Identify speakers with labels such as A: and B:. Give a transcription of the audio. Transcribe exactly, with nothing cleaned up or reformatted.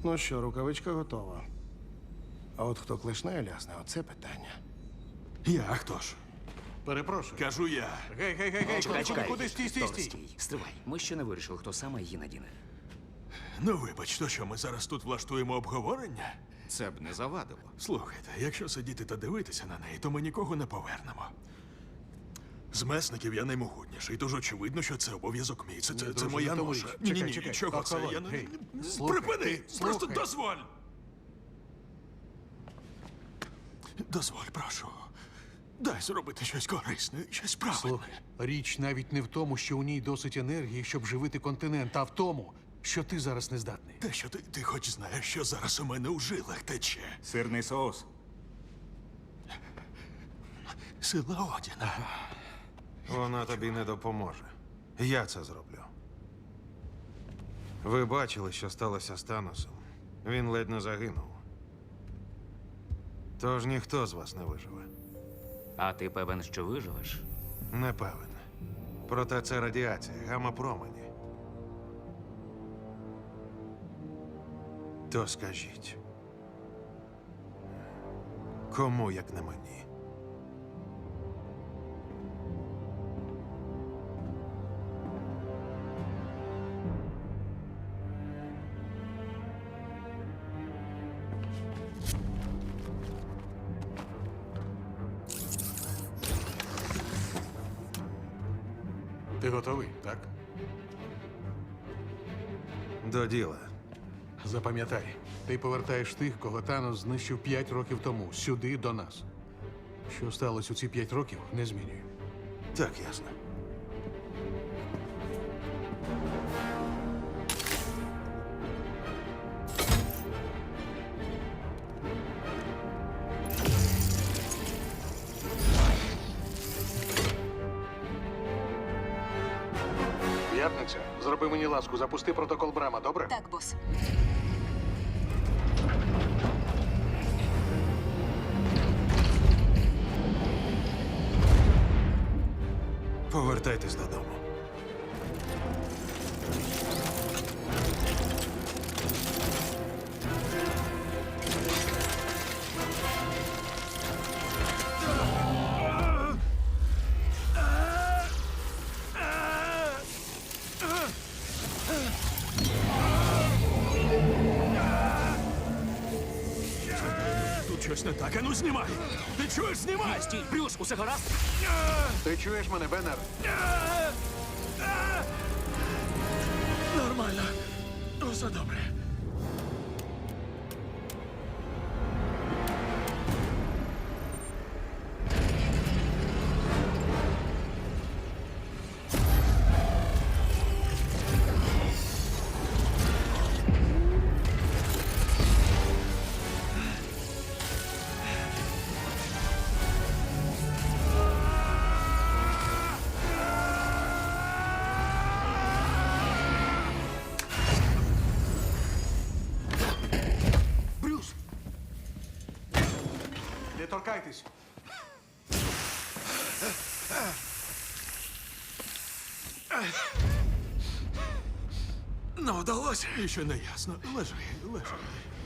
A: Ну що, рукавичка готова. А от хто клешнею лясне, оце питання.
B: Я, а хто ж?
C: Перепрошую.
B: Кажу я.
C: Гей, гей, гей, гей,
D: Чекай,
C: куди,
D: чекай.
C: куди, стій, стій,
D: Добре,
C: стій.
D: стій. Стривай. Ми ще не вирішили, хто саме її надіне.
B: Ну, вибач, то що ми зараз тут влаштуємо обговорення?
C: Це б не завадило.
B: Слухайте, якщо сидіти та дивитися на неї, то ми нікого не повернемо. З месників я наймогутніший, тож очевидно, що це обов'язок мій. Це, це, це
C: друже,
B: моя
C: не
B: ноша.
C: товариш.
B: Ні, ні,
C: Чекай,
B: ні,
C: чекай.
B: чого це?
C: Охолонь.
B: Я не...
C: Гей,
B: не-
C: слухай,
B: Припини!
C: ти
B: Просто
C: слухай.
B: дозволь! Дозволь, прошу. Дай зробити щось корисне, щось правильне.
C: Слухай, річ навіть не в тому, що у ній досить енергії, щоб живити континент, а в тому, що ти зараз не здатний.
B: Те, що ти, ти хоч знаєш, що зараз у мене у жилах тече.
E: Сирний соус.
B: Сила Одіна.
A: Вона тобі не допоможе. Я це зроблю. Ви бачили, що сталося з Таносом. Він ледь не загинув. Тож ніхто з вас не виживе.
D: А ти певен, що виживеш?
A: Не певен. Проте це радіація, гамма-промені. То скажіть. Кому, як не мені?
C: Ти готовий, так?
A: До діла.
C: Запам'ятай, ти повертаєш тих, кого Танос знищив п'ять років тому, сюди, до нас. Що сталося у ці п'ять років, не змінює.
A: Так, ясно.
C: П'ятниця, зроби мені ласку, запусти протокол Брама, добре?
F: Так, бос.
A: Повертайтесь додому.
B: Тут щось не так. Ану, знімай! Ти чуєш, знімай!
D: Стій, Брюс, усе гаразд?
C: Ти чуєш мене, Беннер?
B: Нормально. Усе добре.
C: Брюс! Не торкайтесь!
B: Ну, вдалося. І ще не ясно. Лежи, лежи.